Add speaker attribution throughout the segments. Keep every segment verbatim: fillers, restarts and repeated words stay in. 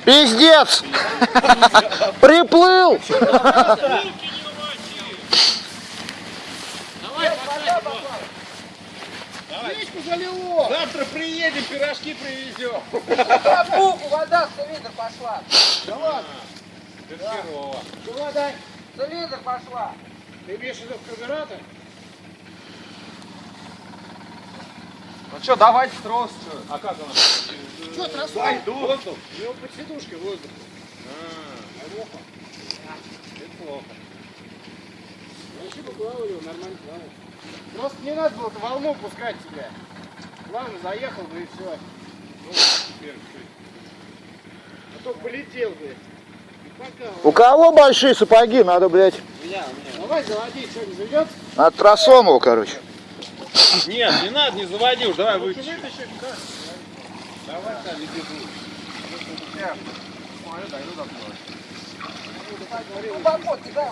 Speaker 1: Пиздец! Приплыл!
Speaker 2: Речку залило! Завтра приедем, пирожки привезем.
Speaker 3: Буку, вода в цилиндр пошла.
Speaker 2: Да ладно. Чего дай?
Speaker 3: В цилиндр пошла.
Speaker 2: Ты имеешь в виду в карбюратор?
Speaker 4: Ну что, давайте трос. Что?
Speaker 2: А как она? Что, тросу? Воздух. У него под сидушкой воздух. А, плохо. Это плохо. Вообще поплавали, нормально плавал. Просто не надо было волну пускать тебя. Плавно заехал бы и все. Ну, теперь, а то полетел бы. Пока.
Speaker 1: У кого большие сапоги? Надо, блядь.
Speaker 2: У меня, у меня. Давай заводи, что, не заведется?
Speaker 1: Надо тросом его, короче.
Speaker 2: Нет, не надо, не заводи уж, давай вытащи. Давай, там, иди тут. Я смотрю, дойду до
Speaker 3: Ну, бабот, да.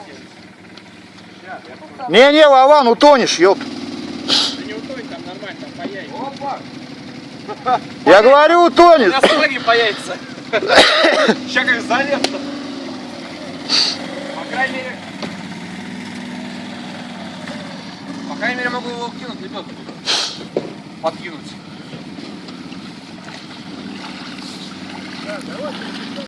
Speaker 1: Не-не, Вован, утонешь, ёп.
Speaker 2: Ты не утонь, там нормально, там по яйцам. Опа!
Speaker 1: Я говорю, утонет.
Speaker 4: У нас ноги по яйца. Сейчас как залез. По крайней мере... По крайней мере могу его кинуть, лебедку. Подкинуть.
Speaker 2: Да, давай.